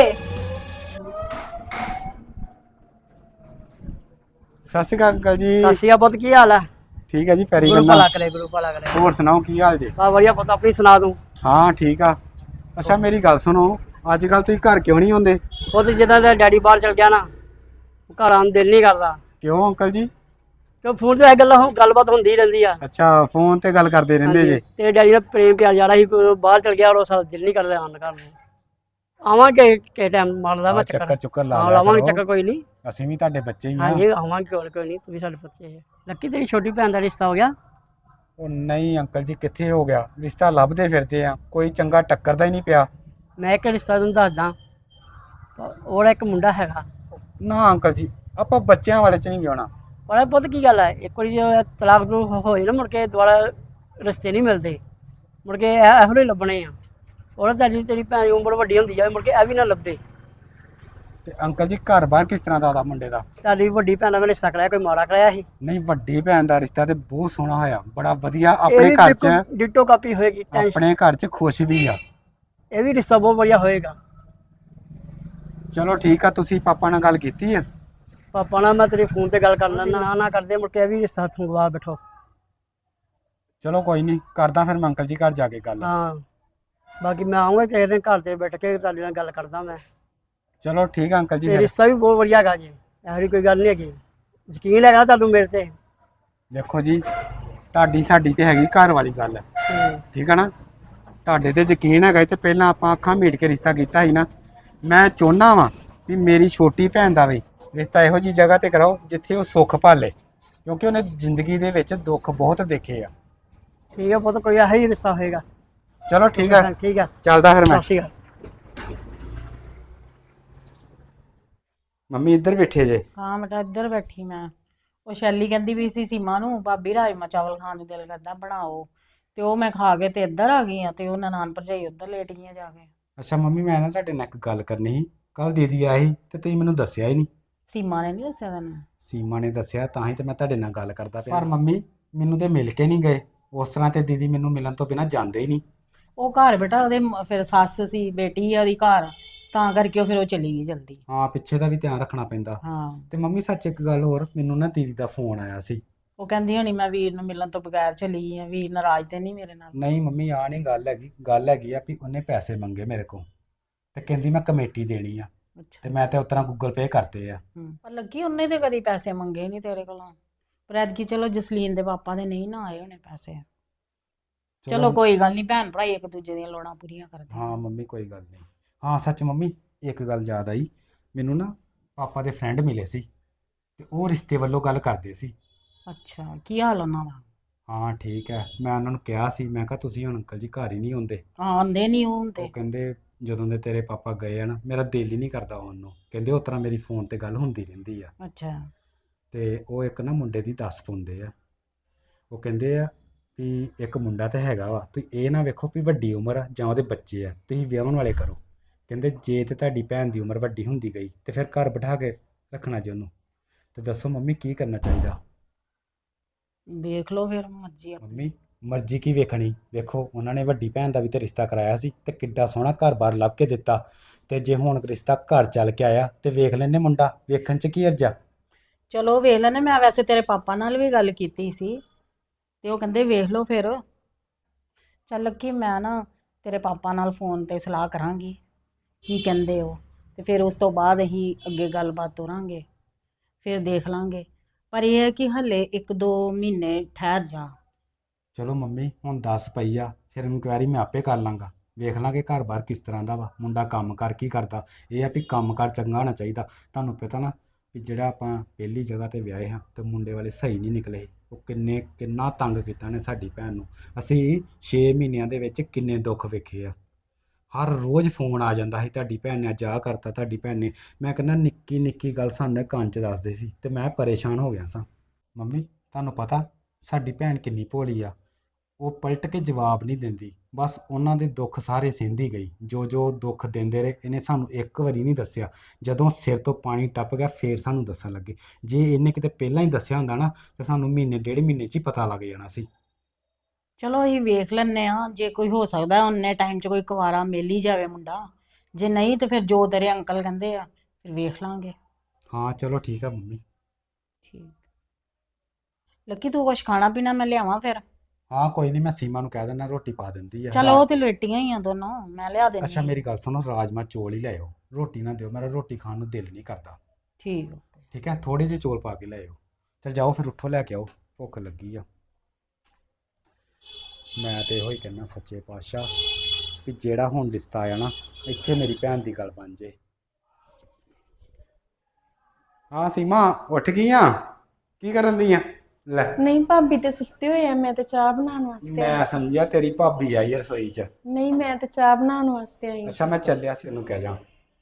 Speaker 7: ਸਤਿ ਸ਼੍ਰੀ ਅਕਾਲ ਅੰਕਲ ਜੀ।
Speaker 8: ਸਤਿ ਸ਼੍ਰੀ ਅਕਾਲ ਪੁੱਤ, ਕੀ ਹਾਲ ਹੈ?
Speaker 6: ਠੀਕ ਹੈ ਜੀ ਪੈਰੀ
Speaker 7: ਗੁਰੂ
Speaker 6: ਬੰਨਾ।
Speaker 7: ਭਲਾ ਕਰੇ, ਗੁਰੂ ਭਲਾ ਕਰੇ।
Speaker 6: ਹੋਰ ਸੁਣਾਓ ਕੀ ਹਾਲ ਜੀ?
Speaker 7: ਬਾ ਵਧੀਆ ਪੁੱਤ, ਆਪਣੀ ਸੁਣਾ ਤੂੰ।
Speaker 6: ਹਾਂ ਠੀਕ ਆ। ਅੱਛਾ ਮੇਰੀ ਗੱਲ ਸੁਣੋ, ਅੱਜ ਕੱਲ ਤੁਸੀਂ ਘਰ ਕਿਉਂ ਨਹੀਂ ਆਉਂਦੇ?
Speaker 7: ਪੁੱਤ ਜਿੱਦਾਂ ਦਾ ਡੈਡੀ ਬਾਹਰ ਚਲ ਗਿਆ ਨਾ, ਘਰ ਆਉਣ ਨੂੰ ਦਿਲ ਨਹੀਂ ਕਰਦਾ।
Speaker 6: ਕਿਉਂ ਅੰਕਲ ਜੀ?
Speaker 7: ਕਿਉਂ ਫੋਨ ਤੇ ਇਹ ਗੱਲਬਾਤ ਹੁੰਦੀ ਰਹਿੰਦੀ ਆ।
Speaker 6: ਅੱਛਾ ਫੋਨ ਤੇ ਗੱਲ ਕਰਦੇ ਰਹਿੰਦੇ ਜੇ।
Speaker 7: ਤੇ ਡੈਡੀ ਨਾਲ ਪ੍ਰੇਮ ਪਿਆਰ ਜ਼ਿਆਦਾ ਸੀ, ਕੋਈ ਬਾਹਰ ਚਲ ਗਿਆ, ਉਹ ਸਾਡਾ ਦਿਲ ਨਹੀਂ ਕਰਦਾ ਆਉਣ ਘਰ ਨੂੰ। ਆਵਾਂਗੇ ਕਿ ਟਾਈਮ ਮਾਰਦਾ ਮੈਂ
Speaker 6: ਚੱਕਰ ਚੁੱਕਰ ਲਾ
Speaker 7: ਹਾਂ
Speaker 6: ਲਿਆ
Speaker 7: ਲਾਵਾਂਗੇ
Speaker 6: ਕਰੋ।
Speaker 7: ਚੱਕਰ, ਕੋਈ ਨਹੀਂ।
Speaker 6: ਅਸੀਂ ਵੀ ਤੁਹਾਡੇ ਬੱਚੇ ਹੀ ਆ।
Speaker 7: ਹਾਂਜੀ ਆਵਾਂਗੇ, ਕੋਈ ਨਹੀਂ, ਤੂੰ ਵੀ ਸਾਡੇ ਬੱਚੇ ਹੈ। ਲੱਕੀ ਤੇਰੀ ਛੋਟੀ ਭੈਣ ਦਾ ਰਿਸ਼ਤਾ ਹੋ ਗਿਆ?
Speaker 6: ਉਹ ਨਹੀਂ ਅੰਕਲ ਜੀ, ਕਿੱਥੇ ਹੋ ਗਿਆ ਰਿਸ਼ਤਾ? ਲੱਭਦੇ ਫਿਰਦੇ ਆ, ਕੋਈ ਚੰਗਾ ਟੱਕਰਦਾ ਹੀ ਨਹੀਂ ਪਿਆ।
Speaker 7: ਮੈਂ ਇੱਕ ਰਿਸ਼ਤਾ ਤੁਹਾਨੂੰ ਦੱਸਦਾ, ਉਹਦਾ ਇੱਕ ਮੁੰਡਾ ਹੈਗਾ।
Speaker 6: ਨਾ ਅੰਕਲ ਜੀ, ਆਪਾਂ ਬੱਚਿਆਂ ਵਾਲੇ ਚ ਨਹੀਂ ਵਿਆਹਣਾ।
Speaker 7: ਪਰ ਪੁੱਤ ਕੀ ਗੱਲ ਹੈ, ਇੱਕ ਵਾਰੀ ਜੇ ਤਲਾਕ ਤੋਂ ਹੋਏ ਨਾ, ਮੁੜ ਕੇ ਦੁਬਾਰਾ ਰਿਸ਼ਤੇ ਨਹੀਂ ਮਿਲਦੇ, ਮੁੜ ਕੇ ਇਹੋ ਜਿਹੇ ਲੱਭਣੇ ਆ। ਉਹਦਾ ਤੇਰੀ ਭੈਣ ਦੀ ਉਮਰ ਵੱਡੀ ਹੁੰਦੀ ਜਾਵੇ, ਮੁੜ ਕੇ ਇਹ ਵੀ ਨਾ ਲੱਭੇ।
Speaker 6: ਤੇ ਅੰਕਲ ਜੀ ਘਰ ਬਾਹਰ ਕਿਸ ਤਰ੍ਹਾਂ ਦਾ ਉਹਦਾ ਮੁੰਡੇ ਦਾ?
Speaker 7: ਤੁਹਾਡੀ ਵੱਡੀ ਭੈਣ ਦਾ ਮੈਂ ਰਿਸ਼ਤਾ ਕਰਾਇਆ, ਕੋਈ ਮਾੜਾ ਕਰਾਇਆ ਸੀ?
Speaker 6: ਨਹੀਂ, ਵੱਡੀ ਭੈਣ ਦਾ ਰਿਸ਼ਤਾ ਤੇ ਬਹੁਤ ਸੋਹਣਾ ਹੋਇਆ, ਬੜਾ ਵਧੀਆ। ਆਪਣੇ ਘਰ ਚ
Speaker 7: ਡਿਟੋ ਕਾਪੀ ਹੋਏਗੀ,
Speaker 6: ਆਪਣੇ ਘਰ ਚ ਖੁਸ਼ ਵੀ ਆ।
Speaker 7: ਇਹ ਵੀ ਰਿਸ਼ਤਾ ਬਹੁਤ ਵਧੀਆ ਹੋਏਗਾ।
Speaker 6: ਚਲੋ ਠੀਕ ਆ। ਤੁਸੀਂ ਪਾਪਾ ਨਾਲ ਗੱਲ ਕੀਤੀ ਆ?
Speaker 7: ਪਾਪਾ ਨਾਲ ਮੈਂ ਤੇਰੇ ਫੋਨ ਤੇ ਗੱਲ ਕਰ ਲੈਣਾ, ਨਾ ਕਰਦੇ, ਮੁੜ ਕੇ ਇਹ ਵੀ ਰਿਸ਼ਤਾ ਸੰਗਵਾ ਬੈਠੋ।
Speaker 6: ਚਲੋ ਕੋਈ ਨਹੀਂ, ਕਰਦਾ ਫਿਰ ਮੈਂ ਅੰਕਲ ਜੀ ਘਰ ਜਾ ਕੇ ਗੱਲ।
Speaker 7: ਹਾਂ ਬਾਕੀ ਮੈਂ ਆਉਂਗਾ ਕਿਸੇ ਦਿਨ ਘਰ ਤੇ ਬੈਠ ਕੇ ਤੁਹਾਡੇ ਨਾਲ ਗੱਲ ਕਰਦਾ ਮੈਂ।
Speaker 6: ਚਲੋ ਠੀਕ ਆ ਅੰਕਲ ਜੀ
Speaker 7: ਤੇ
Speaker 6: ਫਿਰ।
Speaker 7: ਰਿਸ਼ਤਾ ਵੀ ਬਹੁਤ ਵਧੀਆ ਹੈਗਾ ਜੀ, ਇਹੋ ਜਿਹੀ ਕੋਈ ਗੱਲ ਨਹੀਂ ਹੈਗੀ। ਯਕੀਨ ਹੈਗਾ ਤੁਹਾਨੂੰ ਮੇਰੇ ਤੇ?
Speaker 6: ਦੇਖੋ ਜੀ, ਤੁਹਾਡੀ ਸਾਡੀ ਤੇ ਹੈਗੀ ਘਰ ਵਾਲੀ ਗੱਲ, ਠੀਕ ਆ ਨਾ? ਤੁਹਾਡੇ ਤੇ ਯਕੀਨ ਹੈਗਾ ਤੇ ਪਹਿਲਾਂ ਆਪਾਂ ਅੱਖਾਂ ਮੀਟ ਕੇ ਰਿਸ਼ਤਾ ਕੀਤਾ ਸੀ ਨਾ। ਮੈਂ ਚਾਹੁੰਦਾ ਵਾਂ ਵੀ ਮੇਰੀ ਛੋਟੀ ਭੈਣ ਦਾ ਵੀ ਰਿਸ਼ਤਾ ਇਹੋ ਜੀ ਜਗ੍ਹਾ ਤੇ ਕਰਾਓ ਜਿੱਥੇ ਉਹ ਸੁੱਖ ਭਾਲੇ, ਕਿਉਂਕਿ ਉਹਨੇ ਜ਼ਿੰਦਗੀ ਦੇ ਵਿੱਚ ਦੁੱਖ ਬਹੁਤ ਦੇਖੇ ਆ।
Speaker 7: ਠੀਕ ਹੈ ਪੁੱਤ, ਕੋਈ ਇਹੋ ਹੀ ਰਿਸ਼ਤਾ ਹੋਏਗਾ।
Speaker 6: ਚਲੋ ਠੀਕ ਆ,
Speaker 7: ਠੀਕ ਹੈ,
Speaker 6: ਚੱਲਦਾ ਫਿਰ ਮੈਂ।
Speaker 7: ਸਤਿ ਸ਼੍ਰੀ ਅਕਾਲ।
Speaker 6: ਮੰਮੀ ਇੱਧਰ ਬੈਠੇ ਜੇ?
Speaker 8: ਹਾਂ ਬੇਟਾ ਇੱਧਰ ਬੈਠੀ ਮੈਂ। ਉਹ ਸ਼ੈਲੀ ਕਹਿੰਦੀ ਵੀ ਸੀ ਸੀਮਾ ਨੂੰ, ਭਾਬੀ ਰਾਜਮਾ ਚਾਵਲ ਖਾਣ ਨੂੰ ਦਿਲ ਕਰਦਾ, ਬਣਾਓ। ਤੇ ਉਹ ਮੈਂ ਖਾ ਕੇ ਤੇ ਇੱਧਰ ਆ ਗਈ ਆ, ਤੇ ਉਹ ਨਨਾਣ ਭਰਜਾਈ ਉੱਧਰ ਲੇਟ ਗਈਆਂ ਜਾ ਕੇ।
Speaker 6: ਅੱਛਾ ਮੰਮੀ, ਮੈਂ ਨਾ ਤੁਹਾਡੇ ਨਾਲ ਇੱਕ ਗੱਲ ਕਰਨੀ ਸੀ। ਕੱਲ ਦੀਦੀ ਆਈ ਤੇ ਤੁਸੀਂ ਮੈਨੂੰ ਦੱਸਿਆ ਹੀ ਨਹੀਂ।
Speaker 8: ਸੀਮਾ ਨੇ ਨਹੀਂ ਦੱਸਿਆ ਤੈਨੂੰ?
Speaker 6: ਸੀਮਾ ਨੇ ਦੱਸਿਆ, ਤਾਂ ਹੀ ਤੇ ਮੈਂ ਤੁਹਾਡੇ ਨਾਲ ਗੱਲ ਕਰਦਾ ਪਿਆ। ਪਰ ਮੰਮੀ ਮੈਨੂੰ ਤੇ ਮਿਲ ਕੇ ਨਹੀਂ ਗਏ। ਉਸ ਤਰ੍ਹਾਂ ਤੇ ਦੀਦੀ ਮੈਨੂੰ ਮਿਲਣ ਤੋਂ ਬਿਨਾਂ ਜਾਂਦੇ ਹੀ ਨਹੀਂ।
Speaker 8: ਉਹ ਘਰ ਬੇਟਾ ਉਹਦੇ ਫਿਰ ਸੱਸ ਸੀ, ਬੇਟੀ ਆ ਉਹਦੀ ਘਰ, ਤਾਂ ਕਰਕੇ ਉਹ ਫਿਰ ਉਹ ਚਲੀ ਗਈ ਜਲਦੀ।
Speaker 6: ਹਾਂ, ਪਿੱਛੇ ਦਾ ਵੀ ਧਿਆਨ ਰੱਖਣਾ ਪੈਂਦਾ।
Speaker 8: ਹਾਂ
Speaker 6: ਤੇ ਮੰਮੀ ਸੱਚ ਇੱਕ ਗੱਲ ਹੋਰ, ਮੈਨੂੰ ਨਾ ਦੀਦੀ ਦਾ ਫੋਨ ਆਇਆ ਸੀ।
Speaker 8: ਉਹ ਕਹਿੰਦੀ ਹੋਣੀ ਮੈਂ ਵੀਰ ਨੂੰ ਮਿਲਣ ਤੋਂ ਬਗੈਰ ਚਲੀ ਗਈ ਆ, ਵੀਰ ਨਾਰਾਜ਼ ਤੇ ਨਹੀਂ ਮੇਰੇ ਨਾਲ?
Speaker 6: ਨਹੀਂ ਮੰਮੀ, ਆ ਨਹੀਂ ਗੱਲ ਹੈਗੀ। ਗੱਲ ਹੈਗੀ ਆ ਵੀ ਉਹਨੇ ਪੈਸੇ ਮੰਗੇ ਮੇਰੇ ਕੋਲ ਤੇ ਕਹਿੰਦੀ ਮੈਂ ਕਮੇਟੀ ਦੇਣੀ ਆ, ਤੇ
Speaker 8: ਅੱਛਾ।
Speaker 6: ਮੈਂ ਤੇ ਉਤਰਾ ਗੂਗਲ ਪੇ ਕਰਤੇ ਆ।
Speaker 8: ਪਰ ਲੱਗੀ ਉਹਨੇ ਤੇ ਕਦੀ ਪੈਸੇ ਮੰਗੇ ਨਹੀਂ ਤੇਰੇ ਕੋਲੋਂ। ਪਰ ਐਤਕੀ ਚਲੋ ਜਸਲੀਨ ਦੇ ਪਾਪਾ ਦੇ ਨਹੀਂ ਨਾ ਆਏ ਹੋਣੇ ਪੈਸੇ। ਚਲੋ ਕੋਈ ਗੱਲ ਨਹੀਂ, ਭੈਣ ਭਰਾ ਇੱਕ ਦੂਜੇ ਦੀਆਂ ਲੋੜਾਂ ਪੂਰੀਆਂ ਕਰਦੇ।
Speaker 6: ਹਾਂ ਮੰਮੀ ਕੋਈ ਗੱਲ ਨਹੀਂ। ਹਾਂ ਸੱਚ ਮੰਮੀ, ਇੱਕ ਗੱਲ ਯਾਦ ਆਈ ਮੈਨੂੰ ਨਾ, ਪਾਪਾ ਦੇ ਫਰੈਂਡ ਮਿਲੇ ਸੀ ਤੇ ਉਹ ਰਿਸ਼ਤੇ ਵੱਲੋਂ ਗੱਲ ਕਰਦੇ ਸੀ।
Speaker 8: ਅੱਛਾ, ਕੀ ਹਾਲ ਉਹਨਾਂ ਦਾ?
Speaker 6: ਹਾਂ ਠੀਕ ਹੈ। ਮੈਂ ਉਹਨਾਂ ਨੂੰ ਕਿਹਾ ਸੀ, ਮੈਂ ਕਿਹਾ ਤੁਸੀਂ ਹੁਣ ਅੰਕਲ ਜੀ ਘਰ ਹੀ ਨਹੀਂ ਆਉਂਦੇ।
Speaker 8: ਹਾਂ ਆਉਂਦੇ ਨਹੀਂ ਉਹ ਹੁਣ ਤੇ।
Speaker 6: ਉਹ ਕਹਿੰਦੇ ਜਦੋਂ ਦੇ ਤੇਰੇ ਪਾਪਾ ਗਏ ਆ ਨਾ, ਮੇਰਾ ਦਿਲ ਹੀ ਨਹੀਂ ਕਰਦਾ ਆਉਣ ਨੂੰ। ਕਹਿੰਦੇ ਉਸ ਤਰ੍ਹਾਂ ਮੇਰੀ ਫੋਨ ਤੇ ਗੱਲ ਹੁੰਦੀ ਰਹਿੰਦੀ ਆ।
Speaker 8: ਅੱਛਾ।
Speaker 6: ਤੇ ਉਹ ਇੱਕ ਨਾ ਮੁੰਡੇ ਦੀ ਦੱਸ ਪਾਉਂਦੇ ਆ। ਉਹ ਕਹਿੰਦੇ ਆ ਵੀ ਇੱਕ ਮੁੰਡਾ ਤਾਂ ਹੈਗਾ ਵਾ, ਤੁਸੀਂ ਇਹ ਨਾ ਵੇਖੋ ਵੀ ਵੱਡੀ ਉਮਰ ਆ ਜਾਂ ਉਹਦੇ ਬੱਚੇ ਆ, ਤੁਸੀਂ ਵਿਆਹਣ ਵਾਲੇ ਕਰੋ। ਕਹਿੰਦੇ ਜੇ ਤੇ ਤੁਹਾਡੀ ਭੈਣ ਦੀ ਉਮਰ ਵੱਡੀ ਹੁੰਦੀ ਗਈ ਤੇ ਫਿਰ ਘਰ ਬਿਠਾ ਕੇ ਰੱਖਣਾ ਜੀ ਉਹਨੂੰ। ਤੇ ਦੱਸੋ ਮੰਮੀ ਕੀ ਕਰਨਾ ਚਾਹੀਦਾ?
Speaker 8: ਦੇਖ ਲਓ ਫਿਰ, ਮਰਜ਼ੀ ਆਪਣੀ।
Speaker 6: ਮੰਮੀ ਮਰਜ਼ੀ ਕੀ ਵੇਖਣੀ? ਵੇਖੋ ਉਹਨਾਂ ਨੇ ਵੱਡੀ ਭੈਣ ਦਾ ਵੀ ਤੇ ਰਿਸ਼ਤਾ ਕਰਾਇਆ ਸੀ ਤੇ ਕਿੱਡਾ ਸੋਹਣਾ ਘਰ-ਬਾਰ ਲੱਭ ਕੇ ਦਿੱਤਾ। ਤੇ ਜੇ ਹੁਣ ਰਿਸ਼ਤਾ ਘਰ ਚੱਲ ਕੇ ਆਇਆ ਤੇ ਵੇਖ ਲੈਨੇ ਮੁੰਡਾ, ਵੇਖਣ 'ਚ ਕੀ ਅਰਜਾ?
Speaker 8: ਚਲੋ ਵੇਖ ਲੈਣੇ। ਮੈਂ ਵੈਸੇ ਤੇਰੇ ਪਾਪਾ ਨਾਲ ਵੀ ਗੱਲ ਕੀਤੀ ਸੀ ਤੇ ਉਹ ਕਹਿੰਦੇ ਵੇਖ ਲਓ ਫਿਰ। ਚੱਲ ਲੱਕੀ, ਮੈਂ ਨਾ ਤੇਰੇ ਪਾਪਾ ਨਾਲ ਫੋਨ ਤੇ ਸਲਾਹ ਕਰਾਂਗੀ ਕੀ ਕਹਿੰਦੇ ਉਹ, ਤੇ ਫਿਰ ਉਸ ਤੋਂ ਬਾਅਦ ਅਸੀਂ ਅੱਗੇ ਗੱਲਬਾਤ ਤੋਰਾਂਗੇ, ਫਿਰ ਦੇਖ ਲਾਂਗੇ। ਪਰ ਇਹ ਹੈ ਕਿ ਹਲੇ 1-2 ਮਹੀਨੇ ਠਹਿਰ ਜਾ।
Speaker 6: ਚਲੋ ਮੰਮੀ ਹੁਣ 10 ਪਈ ਆ, ਫਿਰ ਇਨਕੁਆਇਰੀ ਮੈਂ ਆਪੇ ਕਰ ਲਾਂਗਾ। ਵੇਖ ਲਾਂਗੇ ਘਰ-ਬਾਰ ਕਿਸ ਤਰ੍ਹਾਂ ਦਾ ਵਾ, ਮੁੰਡਾ ਕੰਮ ਕਰ ਕੀ ਕਰਦਾ। ਇਹ ਆ ਵੀ ਕੰਮ ਕਾਰ ਚੰਗਾ ਹੋਣਾ ਚਾਹੀਦਾ। ਤੁਹਾਨੂੰ ਪਤਾ ਨਾ ਵੀ ਜਿਹੜਾ ਆਪਾਂ ਪਹਿਲੀ ਜਗ੍ਹਾ ਤੇ ਵਿਆਹੇ ਹਾਂ ਤੇ ਮੁੰਡੇ ਵਾਲੇ ਸਹੀ ਨਹੀਂ ਨਿਕਲੇ। ਉਹ ਕਿੰਨਾ ਤੰਗ ਕੀਤਾ ਨੇ ਸਾਡੀ ਭੈਣ ਨੂੰ। ਅਸੀਂ 6 ਮਹੀਨਿਆਂ ਦੇ ਵਿੱਚ ਕਿੰਨੇ ਦੁੱਖ ਵੇਖੇ ਆ। ਹਰ ਰੋਜ਼ ਫੋਨ ਆ ਜਾਂਦਾ ਸੀ, ਤੁਹਾਡੀ ਭੈਣ ਨੇ ਅੱਜ ਆਹ ਕਰਤਾ, ਤੁਹਾਡੀ ਭੈਣ ਨੇ। ਮੈਂ ਕਹਿੰਦਾ ਨਿੱਕੀ ਨਿੱਕੀ ਗੱਲ ਸਾਨੂੰ ਕੰਨ 'ਚ ਦੱਸਦੇ ਸੀ ਤੇ ਮੈਂ ਪਰੇਸ਼ਾਨ ਹੋ ਗਿਆ ਸਾਂ। ਮੰਮੀ ਤੁਹਾਨੂੰ ਪਤਾ ਸਾਡੀ ਭੈਣ ਕਿੰਨੀ ਭੋਲੀ ਆ। ਉਹ ਪਲਟ ਕੇ ਜਵਾਬ ਨਹੀਂ ਦਿੰਦੀ, ਬਸ ਉਹਨਾਂ ਦੇ ਦੁੱਖ ਸਾਰੇ ਸਹਿੰਦੀ ਗਈ। ਜੋ ਦੁੱਖ ਦਿੰਦੇ ਰਹੇ, ਇਹਨੇ ਸਾਨੂੰ ਇੱਕ ਵਾਰੀ ਨਹੀਂ ਦੱਸਿਆ। ਜਦੋਂ ਸਿਰ ਤੋਂ ਪਾਣੀ ਟੱਪ ਗਿਆ ਫੇਰ ਸਾਨੂੰ ਦੱਸਣ ਲੱਗੇ। ਜੇ ਇਹਨੇ ਕਿਤੇ ਪਹਿਲਾਂ ਹੀ ਦੱਸਿਆ ਹੁੰਦਾ ਨਾ ਤਾਂ ਸਾਨੂੰ ਮਹੀਨੇ 1.5 ਮਹੀਨੇ 'ਚ ਹੀ ਪਤਾ ਲੱਗ ਜਾਣਾ ਸੀ।
Speaker 8: ਚਲੋ ਅਸੀਂ ਵੇਖ ਲੈਂਦੇ ਹਾਂ, ਜੇ ਕੋਈ ਹੋ ਸਕਦਾ ਉਹਨੇ ਟਾਈਮ 'ਚ ਕੋਈ ਕੁਵਾਰਾ ਮਿਲ ਹੀ ਜਾਵੇ ਮੁੰਡਾ। ਜੇ ਨਹੀਂ ਤੇ ਫਿਰ ਜੋ ਤੇਰੇ ਅੰਕਲ ਕਹਿੰਦੇ ਆ ਫਿਰ ਵੇਖ ਲਾਂਗੇ।
Speaker 6: ਹਾਂ ਚਲੋ ਠੀਕ ਆ ਮੰਮੀ।
Speaker 8: ਠੀਕ। ਲੱਕੀ ਤੂੰ ਕੁਛ ਖਾਣਾ ਪੀਣਾ ਮੈਂ ਲਿਆਵਾਂ ਫਿਰ?
Speaker 6: ਹਾਂ ਕੋਈ ਨਹੀਂ, ਮੈਂ ਸੀਮਾ ਨੂੰ ਕਹਿ ਦਿੰਦਾ ਰੋਟੀ ਪਾ ਦਿੰਦੀ ਆ।
Speaker 8: ਚਲ ਉਹ ਤੇ ਲੇਟੀਆਂ ਹੀ ਆ ਦੋਨੋਂ, ਮੈਂ ਲਿਆ ਦਿੰਦੀ
Speaker 6: ਅੱਛਾ
Speaker 8: ਹਾਂ।
Speaker 6: ਮੇਰੀ ਗੱਲ ਸੁਣੋ, ਰਾਜਮਾ ਚੌਲ ਹੀ ਲਿਆਓ, ਰੋਟੀ ਨਾ ਦਿਓ, ਮੇਰਾ ਰੋਟੀ ਖਾਣ ਨੂੰ ਦਿਲ ਨਹੀਂ ਕਰਦਾ।
Speaker 8: ਠੀਕ ਆ।
Speaker 6: ਠੀਕ ਹੈ, ਥੋੜੇ ਜਿਹੇ ਚੌਲ ਪਾ ਕੇ ਲਿਆਓ। ਚਲ ਜਾਓ ਫਿਰ, ਉੱਠੋ ਲੈ ਕੇ ਆਓ, ਭੁੱਖ ਲੱਗੀ ਆ। ਮੈਂ ਤੇ ਇਹੋ ਹੀ ਕਹਿਣਾ ਸੱਚੇ ਪਾਤਸ਼ਾਹ ਵੀ ਜਿਹੜਾ ਹੁਣ ਰਿਸ਼ਤਾ ਆਇਆ ਨਾ, ਇੱਥੇ ਮੇਰੀ ਭੈਣ ਦੀ ਗੱਲ ਬਣ ਜੇ। ਹਾਂ ਸੀਮਾ ਉੱਠ ਗਈ ਆ? ਕੀ ਕਰਨ ਦੀ ਆ? ਲੈ
Speaker 2: ਨਹੀਂ ਭਾਬੀ ਤੇ ਸੁੱਤੇ ਹੋਏ ਆ, ਮੈਂ ਤੇ ਚਾਹ ਬਣਾਉਣ ਵਾਸਤੇ
Speaker 6: ਮੈਂ
Speaker 2: ਆਈ।
Speaker 6: ਸਮਝਿਆ ਤੇਰੀ ਭਾਬੀ ਆਈ ਆ ਰਸੋਈ 'ਚ।
Speaker 2: ਨਹੀਂ ਮੈਂ ਤੇ ਚਾਹ ਬਣਾਉਣ ਵਾਸਤੇ ਆਈ
Speaker 6: ਅੱਛਾ ਮੈਂ ਚੱਲਿਆ ਸੀ, ਉਹਨੂੰ ਕਹਿ ਜਾ।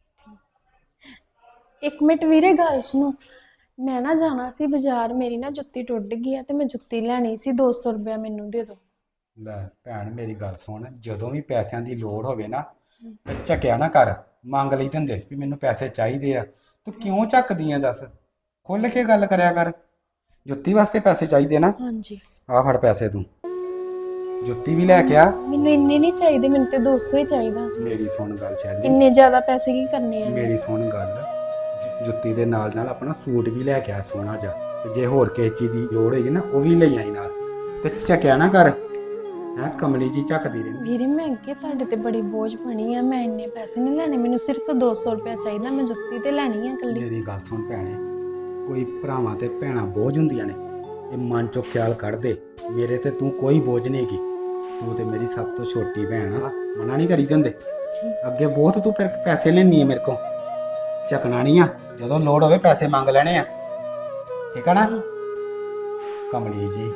Speaker 2: ਇੱਕ ਮਿੰਟ ਵੀਰੇ ਗੱਲ ਸੁਣੋ, ਮੈਂ ਨਾ ਜਾਣਾ ਸੀ ਬਾਜ਼ਾਰ, ਮੇਰੀ ਨਾ ਜੁੱਤੀ ਟੁੱਟ ਗਈ ਆ ਤੇ ਮੈਂ ਜੁੱਤੀ ਲੈਣੀ ਸੀ, 200 ਰੁਪਇਆ ਮੈਨੂੰ ਦੇ ਦਿਓ।
Speaker 6: ਲੈ ਭੈਣ ਮੇਰੀ ਗੱਲ ਸੁਣ, ਜਦੋਂ ਵੀ ਪੈਸਿਆਂ ਦੀ ਲੋੜ ਹੋਵੇ ਨਾ, ਤੇ ਝੱਕਿਆ ਨਾ ਕਰ, ਮੰਗ ਲਈ ਦਿੰਦੇ ਵੀ ਮੈਨੂੰ ਪੈਸੇ ਚਾਹੀਦੇ ਆ। ਤੂੰ ਕਿਉਂ ਝੱਕਦੀ ਆ ਦੱਸ? ਖੁੱਲ ਕੇ ਗੱਲ ਕਰਿਆ ਕਰ। ਜੁੱਤੀ ਵਾਸਤੇ ਪੈਸੇ ਚਾਹੀਦੇ ਨਾ?
Speaker 2: ਹਾਂਜੀ
Speaker 6: ਆ ਫੜ ਪੈਸੇ, ਤੂੰ ਜੁੱਤੀ ਵੀ ਲੈ ਕੇ ਆ।
Speaker 2: ਮੈਨੂੰ ਇੰਨੇ ਨਹੀਂ ਚਾਹੀਦੇ, ਮੈਨੂੰ ਤੇ 200 ਹੀ ਚਾਹੀਦਾ ਸੀ।
Speaker 6: ਮੇਰੀ ਸੁਣ ਗੱਲ ਸ਼ੈਲੀ,
Speaker 2: ਇੰਨੇ ਜ਼ਿਆਦਾ ਪੈਸੇ ਕੀ ਕਰਨੇ ਆ?
Speaker 6: ਮੇਰੀ ਸੁਣ ਗੱਲ, ਜੁੱਤੀ ਦੇ ਨਾਲ ਨਾਲ ਆਪਣਾ ਸੂਟ ਵੀ ਲੈ ਕੇ ਆ ਸੋਹਣਾ ਜਿਹਾ, ਤੇ ਜੇ ਹੋਰ ਕਿਸੇ ਚੀਜ਼ ਦੀ ਲੋੜ ਹੋਏਗੀ ਨਾ ਉਹ ਵੀ ਲੈ ਆਈ ਨਾਲ, ਤੇ ਝੱਕਿਆ ਨਾ ਕਰ। ਹੈ ਕਮਲੀ ਜੀ ਝੱਕਦੀ ਰਹਿੰਦੀ।
Speaker 2: ਵੀਰੇ ਮੈਂ ਅੱਗੇ ਤੁਹਾਡੇ ਤੇ ਬੜੀ ਬੋਝ ਬਣੀ ਆ, ਮੈਂ ਇੰਨੇ ਪੈਸੇ ਨਹੀਂ ਲੈਣੇ, ਮੈਨੂੰ ਸਿਰਫ 200 ਰੁਪਇਆ ਚਾਹੀਦਾ, ਮੈਂ ਜੁੱਤੀ ਤੇ ਲੈਣੀ ਆ ਇਕੱਲੀ।
Speaker 6: ਮੇਰੀ ਗੱਲ ਸੁਣ ਭੈਣੇ, ਕੋਈ ਭਰਾਵਾਂ ਤੇ ਭੈਣਾਂ ਬੋਝ ਹੁੰਦੀਆਂ ਨੇ, ਇਹ ਮਨ ਚੋਂ ਖਿਆਲ ਕੱਢ ਦੇ। ਮੇਰੇ ਤੇ ਤੂੰ ਕੋਈ ਬੋਝ ਨਹੀਂ ਹੈਗੀ, ਤੂੰ ਤੇ ਮੇਰੀ ਸਭ ਤੋਂ ਛੋਟੀ ਭੈਣ ਆ, ਮਨਾ ਨਹੀਂ ਕਰੀ ਦਿੰਦੇ। ਅੱਗੇ ਬਹੁਤ ਤੂੰ ਫਿਰ ਪੈਸੇ ਲੈਣੀ ਆ ਮੇਰੇ ਕੋਲ, ਚੱਕਣਾ ਨਹੀਂ ਆ, ਜਦੋਂ ਲੋੜ ਹੋਵੇ ਪੈਸੇ ਮੰਗ ਲੈਣੇ ਆ, ਠੀਕ ਆ ਨਾ ਕਮਲੀ ਜੀ?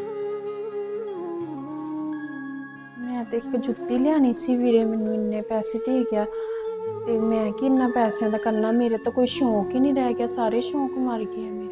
Speaker 2: ਮੈਂ ਤੇ ਇੱਕ ਜੁੱਤੀ ਲਿਆਣੀ ਸੀ ਵੀਰੇ, ਮੈਨੂੰ ਇੰਨੇ ਪੈਸੇ ਦੇ ਗਿਆ ਤੇ ਮੈਂ ਕਿ ਇੰਨਾ ਪੈਸਿਆਂ ਦਾ ਕਰਨਾ, ਮੇਰੇ ਤਾਂ ਕੋਈ ਸ਼ੌਂਕ ਹੀ ਨਹੀਂ ਰਹਿ ਗਿਆ, ਸਾਰੇ ਸ਼ੌਂਕ ਮਰ ਗਏ ਮੇਰੇ।